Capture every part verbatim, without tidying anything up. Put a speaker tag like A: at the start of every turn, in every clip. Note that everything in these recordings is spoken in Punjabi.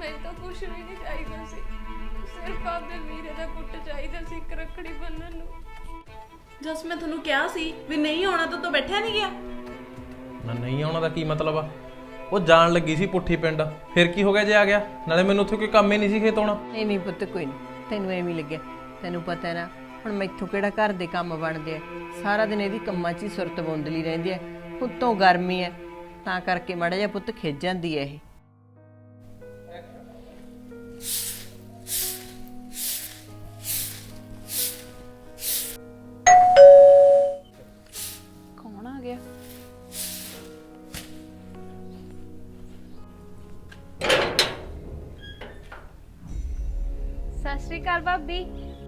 A: ਮੈਨੂੰ ਤਾਂ ਕੁਝ ਵੀ ਨਹੀਂ ਚਾਹੀਦਾ ਸੀ, ਸਿਰਫ ਆਪਦੇ ਵੀਰੇ ਦਾ ਪੁੱਤ ਚਾਹੀਦਾ ਸੀ ਇੱਕ ਰੱਖੜੀ ਬੰਨਣ ਨੂੰ।
B: ਜਸ ਮੈਂ ਤੁਹਾਨੂੰ ਕਿਹਾ ਸੀ ਵੀ ਨਹੀਂ ਆਉਣਾ ਤਾਂ ਤੂੰ ਬੈਠਿਆ ਨਹੀਂ ਗਿਆ।
C: ਨਾ ਨਹੀਂ ਆਉਣਾ ਦਾ ਕੀ ਮਤਲਬ ਆ? ਉਹ ਜਾਣ ਲੱਗੀ ਸੀ ਪੁੱਠੀ ਪਿੰਡ, ਫਿਰ ਕੀ ਹੋ ਗਿਆ ਜੇ ਆ ਗਿਆ? ਨਾਲੇ ਮੈਨੂੰ ਉੱਥੇ ਕੋਈ ਕੰਮ ਹੀ ਨਹੀਂ ਸੀ ਖੇਤ ਆਉਣਾ।
D: ਨਹੀਂ ਨਹੀਂ ਪੁੱਤ ਕੋਈ ਨਹੀਂ, ਤੈਨੂੰ ਐਵੇਂ ਹੀ ਲੱਗਿਆ। ਤੈਨੂੰ ਪਤਾ ਹੈ ਨਾ ਹੁਣ ਮੈਥੋਂ ਕਿਹੜਾ ਘਰ ਦੇ ਕੰਮ ਬਣਦੇ ਆ, ਸਾਰਾ ਦਿਨ ਇਹਦੀ ਕੰਮਾਂ 'ਚ ਹੀ ਸੁਰਤ ਬੁੰਦਲੀ ਰਹਿੰਦੀ ਹੈ। ਉੱਤੋਂ ਗਰਮੀ ਹੈ ਤਾਂ ਕਰਕੇ ਮਾੜਾ ਜਿਹਾ ਪੁੱਤ ਖਿੱਚ ਜਾਂਦੀ ਹੈ ਇਹ।
B: ਕੌਣ ਆ ਗਿਆ?
A: ਸਤਿ ਸ਼੍ਰੀ ਅਕਾਲ ਭਾਬੀ।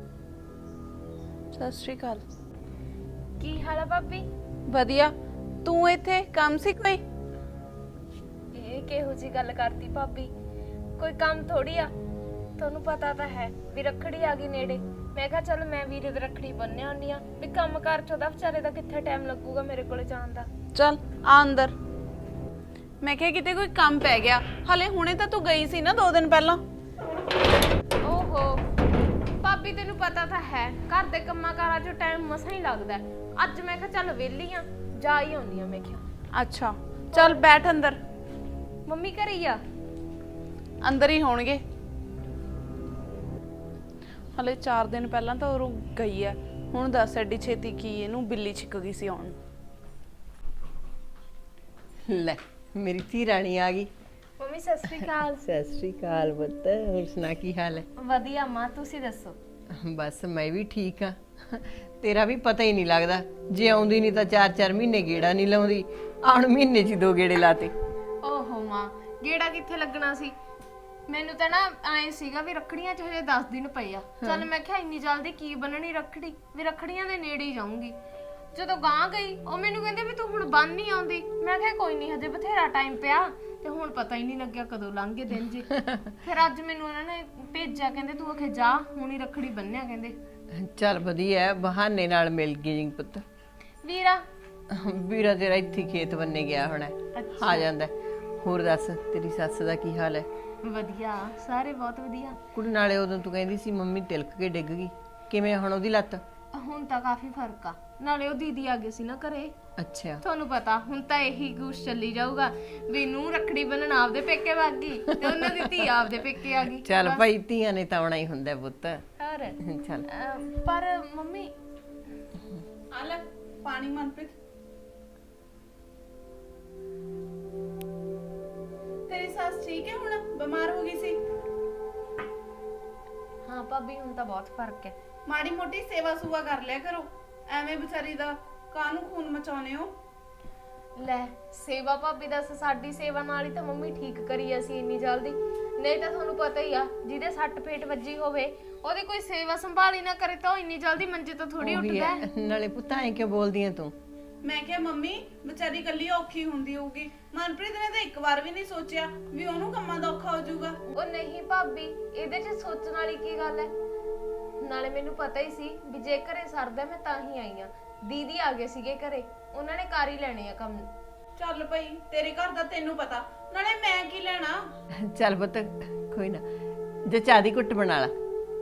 B: ਸਤਿ ਸ਼੍ਰੀ ਅਕਾਲ।
A: ਕੀ ਹਾਲ ਆ ਭਾਬੀ?
B: ਵਧੀਆ। ਤੂੰ ਇੱਥੇ ਕੰਮ ਸੀ ਕੋਈ?
A: ਇਹ ਕਿਹੋ ਜੀ ਗੱਲ ਕਰਤੀ ਭਾਬੀ, ਕੋਈ ਕੰਮ ਥੋੜੀ ਆ। ਤੁਹਾਨੂੰ ਪਤਾ ਤਾਂ ਹੈ ਵੀ ਰੱਖੜੀ ਆ ਗਈ ਨੇੜੇ। ਮੈਂ ਕਿਹਾ ਚੱਲ ਮੈਂ ਵੀਰੇ ਦੀ ਰੱਖੜੀ ਬੰਨ੍ਹ ਆਉਂਦੀ ਆ, ਵੀ ਕੰਮ ਕਾਰ ਚ ਉਹਦਾ ਵਿਚਾਰੇ ਦਾ ਕਿੱਥੇ ਟਾਈਮ ਲੱਗੂਗਾ ਮੇਰੇ ਕੋਲੇ ਜਾਣ ਦਾ।
B: ਚੱਲ ਆ ਅੰਦਰ। ਮੈਂ ਕਿਹਾ ਕਿਤੇ ਕੋਈ ਕੰਮ ਪੈ ਗਿਆ। ਹਲੇ ਹੁਣੇ ਤਾਂ ਤੂੰ ਗਈ ਸੀ ਨਾ ਦੋ ਦਿਨ ਪਹਿਲਾਂ।
A: ਓਹੋ ਭਾਬੀ, ਤੈਨੂੰ ਪਤਾ ਤਾਂ ਹੈ ਘਰ ਦੇ ਕੰਮਾਂ ਕਾਰਾਂ 'ਚ ਟਾਈਮ ਮਸਾਂ ਹੀ ਲੱਗਦਾ। ਅੱਜ ਮੈਂ ਕਿਹਾ ਚੱਲ ਵਿਹਲੀ ਆ, ਜਾ ਹੀ ਆਉਂਦੀ ਆ। ਮੈਂ ਕਿਹਾ
B: ਅੱਛਾ ਚੱਲ ਬੈਠ ਅੰਦਰ।
A: ਮੰਮੀ ਘਰੇ ਹੀ ਆ?
B: ਅੰਦਰ ਹੀ ਹੋਣਗੇ। ਹਲੇ ਚਾਰ ਦਿਨ ਪਹਿਲਾਂ ਤਾਂ ਉਹ ਗਈ ਹੈ। ਹੁਣ ਦੱਸ ਐਡੀ ਛੇਤੀ ਕੀ ਇਹਨੂੰ ਬਿੱਲੀ ਛਿੱਕ ਗਈ ਸੀ ਆਉਣ।
D: ਲੈ ਮੇਰੀ ਧੀ ਰਾਣੀ ਆ ਗਈ।
A: ਮੰਮੀ ਸਤਿ ਸ਼੍ਰੀ ਅਕਾਲ।
D: ਸਤਿ ਸ਼੍ਰੀ ਅਕਾਲ ਪੁੱਤ, ਹੋਰ ਸੁਣਾ ਕੀ ਹਾਲ ਹੈ?
A: ਵਧੀਆ ਮਾਂ, ਤੁਸੀਂ ਦੱਸੋ?
D: ਬਸ ਮੈਂ ਵੀ ਠੀਕ ਆ। ਤੇਰਾ ਵੀ ਪਤਾ ਹੀ ਨਹੀਂ ਲੱਗਦਾ, ਜੇ ਆਉਂਦੀ ਨਹੀਂ ਤਾਂ ਚਾਰ ਚਾਰ ਮਹੀਨੇ ਗੇੜਾ ਨਹੀਂ ਲਾਉਂਦੀ, ਆਉਣ ਮਹੀਨੇ 'ਚ ਦੋ ਗੇੜੇ ਲਾਤੇ।
A: ਓਹੋ ਮਾਂ, ਗੇੜਾ ਕਿੱਥੇ ਲੱਗਣਾ ਸੀ? ਮੈਨੂੰ ਤਾਂ ਨਾ ਐ ਸੀਗਾ ਵੀ ਰੱਖੜੀਆਂ 'ਚ ਹਜੇ ਦਸ ਦਿਨ ਪਏ ਆ। ਚੱਲ ਮੈਂ ਕਿਹਾ ਇੰਨੀ ਜਲਦੀ ਕੀ ਬੰਨਣੀ ਰੱਖੜੀ, ਵੀ ਰੱਖੜੀਆਂ ਦੇ ਨੇੜੇ ਹੀ ਜਾਊਂਗੀ। ਜਦੋਂ ਗਾਂ ਗਈ ਉਹ ਮੈਨੂੰ ਕਹਿੰਦੇ ਵੀ ਤੂੰ ਹੁਣ ਬੰਨ ਨਹੀਂ ਆਉਂਦੀ। ਮੈਂ ਕਿਹਾ ਕੋਈ ਨਹੀਂ, ਹਜੇ ਬਥੇਰਾ ਟਾਈਮ ਪਿਆ। ਤੇ ਹੁਣ ਪਤਾ ਹੀ ਨਹੀਂ ਲੱਗਿਆ ਕਦੋਂ ਲੰਘ ਗਏ ਦਿਨ ਜੀ। ਫਿਰ ਅੱਜ ਮੈਨੂੰ ਉਹਨਾਂ ਨੇ ਭੇਜਿਆ, ਕਹਿੰਦੇ ਤੂੰ ਆਖੇ ਜਾ ਹੁਣ ਹੀ ਰੱਖੜੀ ਬੰਨਿਆ ਕਹਿੰਦੇ।
D: ਚੱਲ ਵਧੀਆ, ਬਹਾਨੇ ਨਾਲ ਮਿਲ ਗਈ ਜੀ ਪੁੱਤ।
A: ਵੀਰਾ
D: ਵੀਰਾ ਤੇਰਾ ਇੱਥੇ ਖੇਤ ਬੰਨੇ ਗਿਆ ਹੋਣਾ, ਆ ਜਾਂਦਾ। ਹੋਰ ਦੱਸ ਤੇਰੀ ਸੱਸ ਦਾ ਕੀ ਹਾਲ ਹੈ?
A: ਵਧੀਆ, ਸਾਰੇ ਬਹੁਤ ਵਧੀਆ।
D: ਕੁੜੀ ਨਾਲੇ ਉਦੋਂ ਤੂੰ ਕਹਿੰਦੀ ਸੀ ਮੰਮੀ ਤਿਲਕ ਕੇ ਡਿੱਗ ਗਈ, ਕਿਵੇਂ ਹੁਣ ਉਹਦੀ ਲੱਤ?
A: ਹੁਣ ਤਾਂ ਕਾਫੀ ਫਰਕ ਆ। ਨਾਲੇ ਉਹ ਦੀਦੀ ਆ ਗਏ ਸੀ ਨਾ ਘਰੇ।
D: ਅੱਛਾ
A: ਤੁਹਾਨੂੰ ਪਤਾ ਹੁਣ ਤਾਂ ਇਹੀ ਗੁੱਸ ਚੱਲੀ ਜਾਊਗਾ ਵੀ ਨੂੰ ਰੱਖੜੀ ਬੰਨਣ ਆਪਦੇ ਪੇਕੇ ਵਗ ਗਈ ਤੇ ਉਹਨਾਂ ਦੀ ਧੀ ਆਪਦੇ ਪੇਕੇ ਆ ਗਈ।
D: ਚੱਲ ਭਾਈ, ਧੀਆਂ ਨੇ ਤਾਂ ਆਉਣਾ ਹੀ ਹੁੰਦਾ ਪੁੱਤ।
A: ਹੋਰ
D: ਚੱਲ
A: ਅਹ, ਪਰ ਮੰਮੀ
B: ਆ ਲੈ ਪਾਣੀ। ਮਨਪ੍ਰੀਤ ਤੇਰੀ ਸੱਸ ਠੀਕ ਹੈ? ਹੁਣ ਬਿਮਾਰ ਹੋ ਗਈ ਸੀ?
A: ਹਾਂ ਭਾਬੀ, ਹੁਣ ਤਾਂ ਬਹੁਤ ਫਰਕ ਹੈ।
B: ਮਾੜੀ ਮੋਟੀ ਸੇਵਾ ਸੁਵਾ ਕਰ ਲਿਆ ਕਰੋ, ਐਵੇਂ ਵਿਚਾਰੀ ਦਾ ਕਾਹਨੂੰ ਖੂਨ ਮਚਾਉਨੇ ਹੋ?
A: ਲੈ ਸੇਵਾ ਭਾਬੀ ਦੱਸ, ਸਾਡੀ ਸੇਵਾ ਨਾਲ ਹੀ ਤਾਂ ਮੰਮੀ ਠੀਕ ਕਰੀ ਅਸੀਂ ਇੰਨੀ ਜਲਦੀ। ਨਹੀਂ ਤਾਂ ਤੁਹਾਨੂੰ ਪਤਾ ਹੀ ਆ, ਜਿਹਦੇ ਸੱਟ ਫੇਟ ਵੱਜੀ ਹੋਵੇ ਉਹਦੀ ਕੋਈ ਸੇਵਾ ਸੰਭਾਲੀ ਨਾ ਕਰੇ ਤਾਂ ਉਹ ਇੰਨੀ ਜਲਦੀ ਮੰਜੇ ਤੋਂ ਥੋੜੀ ਉੱਠਦਾ ਹੈ।
D: ਨਾਲੇ ਪੁੱਤ ਐਂ ਕਿਉਂ ਬੋਲਦੀ ਐ ਤੂੰ?
B: ਮੈਂ ਕਿਹਾ ਮੰਮੀ ਵਿਚਾਰੀ ਇਕੱਲੀ ਔਖੀ ਹੁੰਦੀ ਹੋਊਗੀ। ਮਨਪ੍ਰੀਤ ਨੇ ਤਾਂ ਇੱਕ ਵਾਰ ਵੀ ਨਹੀਂ ਸੋਚਿਆ ਵੀ ਉਹਨੂੰ ਕੰਮਾਂ ਦਾ ਔਖਾ ਹੋ ਜਾਊਗਾ।
A: ਉਹ ਨਹੀਂ ਭਾਬੀ, ਇਹਦੇ 'ਚ ਸੋਚਣ ਵਾਲੀ ਕੀ ਗੱਲ ਹੈ? ਨਾਲੇ ਮੈਨੂੰ ਪਤਾ ਹੀ ਸੀ ਵੀ ਜੇ ਘਰੇ ਸਰਦਾ ਮੈਂ ਤਾਂ ਹੀ ਆਈ ਆ। ਦੀਦੀ ਆ ਗਏ ਸੀਗੇ ਘਰੇ, ਉਹਨਾਂ ਨੇ ਕਰ ਹੀ ਲੈਣੇ ਆ ਕੰਮ।
B: ਚੱਲ ਭਾਈ, ਤੇਰੇ ਘਰ ਦਾ ਤੈਨੂੰ ਪਤਾ, ਨਾਲੇ ਮੈਂ ਕੀ ਲੈਣਾ।
D: ਚੱਲ ਪੁੱਤ ਕੋਈ ਨਾ, ਜੇ ਚਾਹ ਦੀ ਘੁੱਟ ਬਣਾ ਲਾ।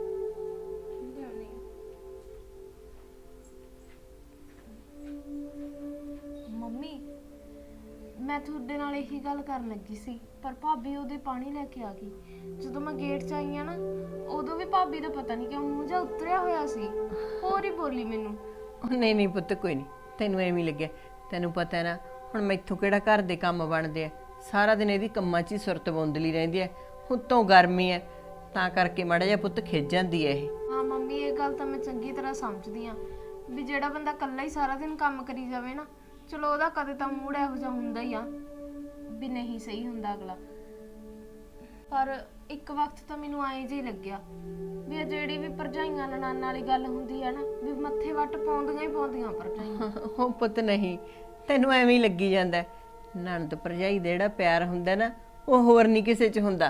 A: ਮੰਮੀ ਮੈਂ ਤੁਹਾਡੇ ਨਾਲ ਇਹੀ ਗੱਲ ਕਰਨ ਲੱਗੀ ਸੀ, ਪਰ ਭਾਬੀ ਉਹਦੇ ਪਾਣੀ ਲੈ ਕੇ ਆ ਗਈ। ਜਦੋਂ ਮੈਂ ਗੇਟ 'ਚ ਆਈ ਆ ਨਾ, ਉਦੋਂ ਵੀ ਭਾਬੀ ਦਾ ਪਤਾ ਨਹੀਂ ਕਿਉਂ ਮੂੰਹ ਜਿਹਾ ਉਤਰਿਆ ਹੋਇਆ ਸੀ, ਹੋਰ ਹੀ ਬੋਲੀ ਮੈਨੂੰ।
D: ਉਹ ਨਹੀਂ ਨਹੀਂ ਪੁੱਤ ਕੋਈ ਨਹੀਂ, ਤੈਨੂੰ ਐਵੇਂ ਹੀ ਲੱਗਿਆ। ਤੈਨੂੰ ਪਤਾ ਹੈ ਨਾ ਹੁਣ ਮੈਥੋਂ ਕਿਹੜਾ ਘਰ ਦੇ ਕੰਮ ਬਣਦੇ ਆ, ਸਾਰਾ ਦਿਨ ਇਹਦੀ ਕੰਮਾਂ 'ਚ ਹੀ ਸੁਰਤ ਬੁੰਦਲੀ ਰਹਿੰਦੀ ਹੈ। ਉੱਤੋਂ ਗਰਮੀ ਹੈ ਤਾਂ ਕਰਕੇ ਮਾੜਾ ਜਿਹਾ ਪੁੱਤ ਖਿੱਚ ਜਾਂਦੀ ਹੈ ਇਹ।
A: ਹਾਂ ਮੰਮੀ, ਇਹ ਗੱਲ ਤਾਂ ਮੈਂ ਚੰਗੀ ਤਰ੍ਹਾਂ ਸਮਝਦੀ ਆ ਵੀ ਜਿਹੜਾ ਬੰਦਾ ਇਕੱਲਾ ਹੀ ਸਾਰਾ ਦਿਨ ਕੰਮ ਕਰੀ ਜਾਵੇ ਨਾ, ਚਲੋ ਉਹਦਾ ਕਦੇ ਤਾਂ ਮੂਡ ਇਹੋ ਜਿਹਾ ਹੁੰਦਾ ਹੀ ਆ ਵੀ ਨਹੀਂ ਸਹੀ ਹੁੰਦਾ ਅਗਲਾ। ਪਰ ਇੱਕ ਵਕਤ ਤਾਂ ਮੈਨੂੰ ਐਂ ਜਿਹੀ ਲੱਗਿਆ ਵੀ ਇਹ ਜਿਹੜੀ ਵੀ ਭਰਜਾਈਆਂ ਨਨਾਣ ਵਾਲੀ ਗੱਲ ਹੁੰਦੀ ਹੈ ਨਾ, ਵੀ ਮੱਥੇ ਵੱਟ ਪਾਉਂਦੀਆਂ ਹੀ ਪਾਉਂਦੀਆਂ ਭਰਜਾਈਆਂ।
D: ਉਹ ਪੁੱਤ ਨਹੀਂ, ਤੈਨੂੰ ਐਵੇਂ ਹੀ ਲੱਗੀ ਜਾਂਦਾ। ਨਣਦ ਭਰਜਾਈ ਦਾ ਜਿਹੜਾ ਪਿਆਰ ਹੁੰਦਾ ਨਾ, ਉਹ ਹੋਰ ਨਹੀਂ ਕਿਸੇ 'ਚ ਹੁੰਦਾ।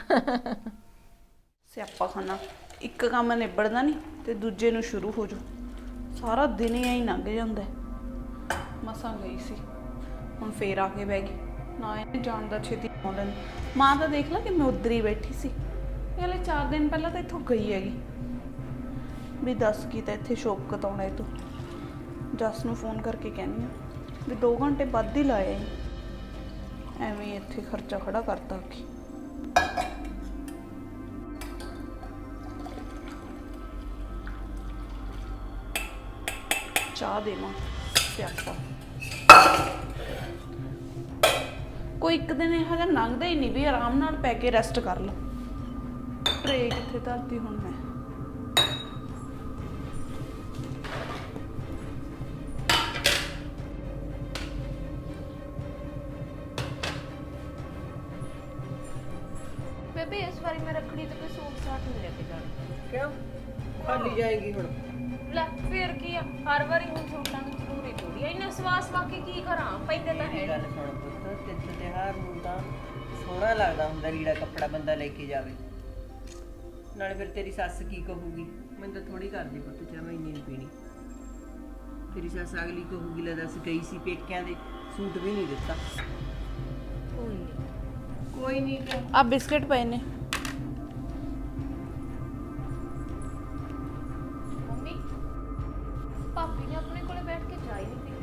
B: ਸਿਆਪਾ ਖਾਨਾ, ਇੱਕ ਕੰਮ ਨਿਬੜਦਾ ਨਹੀਂ ਤੇ ਦੂਜੇ ਨੂੰ ਸ਼ੁਰੂ ਹੋ ਜਾਊ। ਸਾਰਾ ਦਿਨ ਹੀ ਐਂ ਲੰਘ ਜਾਂਦਾ। ਮਸਾਂ ਗਈ ਸੀ, ਹੁਣ ਫੇਰ ਆ ਕੇ ਬਹਿ ਗਈ। ਨਾ ਇਹ ਜਾਣਦਾ ਛੇਤੀ ਆਉਂਦਾ ਨਹੀਂ। ਮਾਂ ਤਾਂ ਦੇਖ ਲਾ ਕਿ ਮੈਂ ਉੱਧਰ ਹੀ ਬੈਠੀ ਸੀ, ਇਹ ਹਲੇ ਚਾਰ ਦਿਨ ਪਹਿਲਾਂ ਤਾਂ ਇੱਥੋਂ ਗਈ ਹੈਗੀ। ਵੀ ਦੱਸ ਕੀ ਤਾਂ ਇੱਥੇ ਸ਼ੋਪ ਕਤਾਉਣਾ ਇਹ ਤੋਂ। ਜੱਸ ਨੂੰ ਫੋਨ ਕਰਕੇ ਕਹਿੰਦੀ ਆ ਵੀ ਦੋ ਘੰਟੇ ਵੱਧ ਹੀ ਲਾਏ ਆਈ, ਐਵੇਂ ਹੀ ਇੱਥੇ ਖਰਚਾ ਖੜਾ ਕਰਤਾ ਕੀ। ਚਾਹ ਦੇਵਾਂ ਸਿਆਪਾ, ਕੋਈ ਇੱਕ ਦਿਨ ਇਹੋ ਜਿਹਾ ਲੰਘਦਾ ਹੀ ਨਹੀਂ ਵੀ ਆਰਾਮ ਨਾਲ ਪੈ ਕੇ ਰੈਸਟ ਕਰ ਲਾ। ਟਰੇ ਕਿੱਥੇ ਧਰਤੀ ਹੁਣ ਮੈਂ।
A: ਬੇਬੇ ਇਸ ਵਾਰੀ ਮੈਂ ਰੱਖੜੀ ਤੇ ਕੋਈ ਸੂਟ ਸਾਟ ਨਹੀਂ ਲੈ ਕੇ ਜਾਣਾ।
D: ਕਿਉਂ ਖਾਲੀ ਜਾਏਗੀ ਹੁਣ?
A: ਲੈ ਫੇਰ ਕੀ ਆ, ਹਰ ਵਾਰੀ ਹੁਣ ਸੂਟਾਂ ਦੀ ਜ਼ਰੂਰੀ ਥੋੜੀ ਆ। ਇੰਨਾ ਸਵਾਸ ਬਾਕੀ ਕੀ ਕਰਾਂ, ਪੈਂਦੇ ਤਾਂ ਹੈ
D: ਗੱਲ ਸੁਣ ਪੁੱਤ, ਤਿੰਨ ਤਿਉਹਾਰ ਨੂੰ ਤਾਂ ਸੋਹਣਾ ਲੱਗਦਾ ਹੁੰਦਾ ਲੀੜਾ ਕੱਪੜਾ ਬੰਦਾ ਲੈ ਕੇ ਜਾਵੇ। ਨਾਲੇ ਫਿਰ ਤੇਰੀ ਸੱਸ ਕੀ ਕਹੂਗੀ? ਮੈਨੂੰ ਤਾਂ ਥੋੜੀ ਕਰਦੀ ਪੁੱਤ, ਚਾਹ ਮੈਂ ਇੰਨੀ ਨਹੀਂ ਪੀਣੀ। ਤੇਰੀ ਸੱਸ ਅਗਲੀ ਕਹੂਗੀ ਲੈ ਦੱਸ ਗਈ ਸੀ ਪੇਕਿਆਂ ਦੇ, ਸੂਟ ਵੀ ਨਹੀਂ ਦਿੱਤਾ।
A: ਕੋਈ ਨਹੀਂ
D: ਕੋਈ ਨਹੀਂ ਕਿ
B: ਆ ਬਿਸਕਟ ਪਏ ਨੇ।
A: ਮੰਮੀ ਭਾਬੀ ਨੇ ਆਪਣੇ ਕੋਲੇ ਬੈਠ ਕੇ ਚਾਹ ਹੀ ਨਹੀਂ ਪੀਤੀ।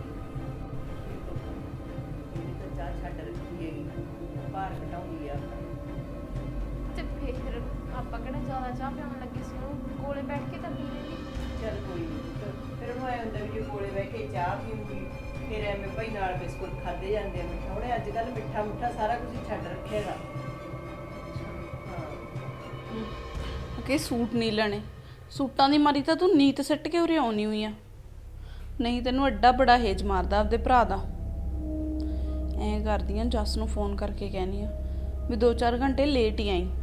D: ਇਹਨੇ ਤਾਂ ਚਾਹ ਛੱਡ ਰੱਖੀ ਹੈਗੀ, ਭਾਰ ਘਟਾਉਂਦੀ ਆ।
A: ਤੇ ਫਿਰ ਆਪਾਂ ਕਿਹੜਾ ਜ਼ਿਆਦਾ ਚਾਹ ਪਿਆਉਣ ਲੱਗੇ ਸੀ, ਉਹ ਕੋਲੇ ਬੈਠ ਕੇ ਤਾਂ ਪੀ ਲੈਂਦੀ।
D: ਚੱਲ ਕੋਈ ਨਹੀਂ, ਫਿਰ ਉਹਨੂੰ ਆਇਆ ਹੁੰਦਾ ਵੀ ਜੇ ਕੋਲੇ ਬਹਿ ਕੇ ਚਾਹ ਪੀਊਗੀ ਫਿਰ ਐਵੇਂ ਭਾਈ ਨਾਲ ਬਿਸਕੁਟ ਖਾਦੇ ਜਾਂਦੇ ਆ ਮਿੱਠਾ। ਉਹਨੇ ਅੱਜ ਕੱਲ੍ਹ ਮਿੱਠਾ ਮੁੱਠਾ ਸਾਰਾ ਕੁਝ ਛੱਡ ਰੱਖੇਗਾ। ਹਾਂ
B: ਕਿ ਸੂਟ ਨਹੀਂ ਲੈਣੇ, ਸੂਟਾਂ ਦੀ ਮਾਰੀ ਤਾਂ ਤੂੰ ਨੀਤ ਸਿੱਟ ਕੇ ਉਰੇ ਆਉਣੀ ਹੋਈ ਆ, ਨਹੀਂ ਤੈਨੂੰ ਐਡਾ ਬੜਾ ਹੇਜ ਮਾਰਦਾ ਆਪਦੇ ਭਰਾ ਦਾ। ਐਂ ਕਰਦੀ ਆ, ਜੱਸ ਨੂੰ ਫੋਨ ਕਰਕੇ ਕਹਿਨੀ ਆ ਵੀ ਦੋ ਚਾਰ ਘੰਟੇ ਲੇਟ ਹੀ ਆਈ।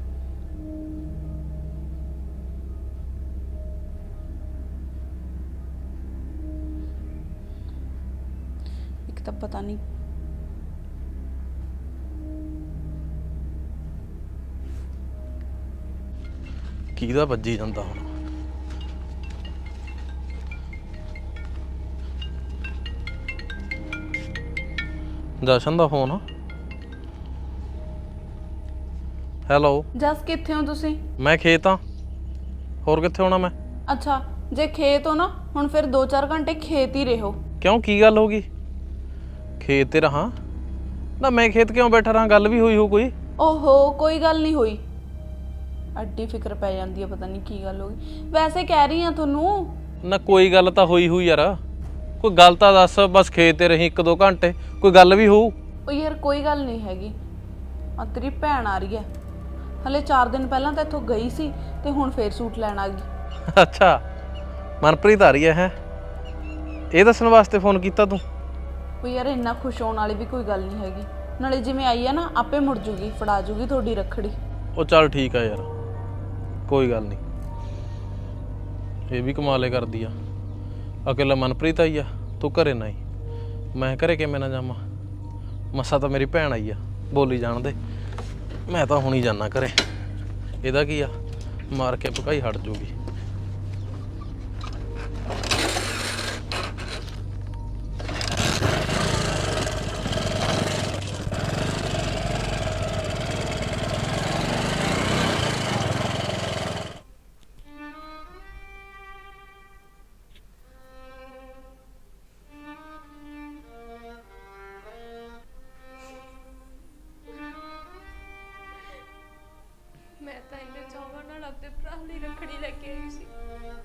B: ਇੱਕ ਤਾਂ ਪਤਾ ਨਹੀਂ
C: ਕਿਹਦਾ ਵੱਜੀ ਜਾਂਦਾ ਹੁਣ। ਜਸ਼ਨ ਦਾ ਫੋਨ। ਹੈਲੋ
B: ਜੱਸ ਕਿੱਥੇ ਹੋ ਤੁਸੀਂ?
C: ਮੈਂ ਖੇਤ ਆ, ਹੋਰ ਕਿੱਥੇ ਹੋਣਾ ਮੈਂ?
B: ਅੱਛਾ ਜੇ ਖੇਤ ਹੋ ਨਾ ਹੁਣ ਫਿਰ ਦੋ ਚਾਰ ਘੰਟੇ ਖੇਤ ਹੀ ਰਹੋ।
C: ਕਿਉਂ ਕੀ ਗੱਲ ਹੋ ਗਈ? ਖੇਤ ਤੇ ਰਹਾਂ ਨਾ, ਮੈਂ ਖੇਤ ਕਿਉਂ ਬੈਠਾ ਰਹਾਂ? ਗੱਲ ਵੀ ਹੋਈ ਹੋ ਕੋਈ?
B: ਓਹੋ ਕੋਈ ਗੱਲ ਨਹੀਂ ਹੋਈ, ਅੱਡੀ ਫਿਕਰ ਪੈ ਜਾਂਦੀ ਹੈ, ਪਤਾ ਨਹੀਂ ਕੀ ਗੱਲ ਹੋ ਗਈ। ਵੈਸੇ ਕਹਿ ਰਹੀ ਆ ਤੁਹਾਨੂੰ।
C: ਨਾ ਕੋਈ ਗੱਲ ਤਾਂ ਹੋਈ ਹੋਈ ਯਾਰ, ਕੋਈ ਗੱਲ ਤਾਂ ਦੱਸ। ਬਸ ਖੇਤ ਤੇ ਰਹੀ ਇੱਕ ਦੋ ਘੰਟੇ, ਕੋਈ ਗੱਲ ਵੀ ਹੋਊ?
B: ਉਹ ਯਾਰ ਕੋਈ ਗੱਲ ਨਹੀਂ ਹੈਗੀ, ਆ ਤੇਰੀ ਭੈਣ ਆ ਰਹੀ ਹੈ, ਹਲੇ ਚਾਰ ਦਿਨ ਪਹਿਲਾਂ ਤਾਂ ਇੱਥੋਂ ਗਈ ਸੀ ਤੇ ਹੁਣ ਫੇਰ ਸੂਟ ਲੈਣ ਆ ਗਈ।
C: ਅੱਛਾ ਮਨਪ੍ਰੀਤ ਆ ਰਹੀ ਹੈ? ਹੈ ਇਹ ਦੱਸਣ ਵਾਸਤੇ ਫੋਨ ਕੀਤਾ ਤੂੰ?
B: ਉਹ ਯਾਰ ਇੰਨਾ ਖੁਸ਼ ਹੋਣ ਵਾਲੀ ਵੀ ਕੋਈ ਗੱਲ ਨਹੀਂ ਹੈਗੀ, ਨਾਲੇ ਜਿਵੇਂ ਆਈ ਆ ਨਾ ਆਪੇ ਮੁੜ ਜੂਗੀ, ਫੜਾ ਜੂਗੀ ਤੁਹਾਡੀ ਰੱਖੜੀ।
C: ਉਹ ਚੱਲ ਠੀਕ ਆ ਯਾਰ, ਕੋਈ ਗੱਲ ਨਹੀਂ। ਇਹ ਵੀ ਕਮਾਲੇ ਕਰਦੀ ਆ, ਅਕੇਲਾ ਮਨਪ੍ਰੀਤ ਆਈ ਆ, ਤੂੰ ਘਰੇ ਨਾ ਆਈ। ਮੈਂ ਘਰੇ ਕਿਵੇਂ ਨਾ ਜਾਵਾਂ? ਮਸਾ ਤਾਂ ਮੇਰੀ ਭੈਣ ਆਈ ਆ, ਬੋਲੀ ਜਾਣ ਦੇ। ਮੈਂ ਤਾਂ ਹੁਣੀ ਜਾਣਾ ਘਰੇ, ਇਹਦਾ ਕੀ ਆ, ਮਾਰ ਕੇ ਭਕਾਈ ਹਟ ਜੂਗੀ।
A: ਮੈਂ ਤਾਂ ਇੰਨੇ ਚਾਵਾਂ ਨਾਲ ਆਪਣੇ ਭਰਾ ਲਈ ਰੱਖੜੀ ਲੈ ਕੇ ਆਈ ਸੀ।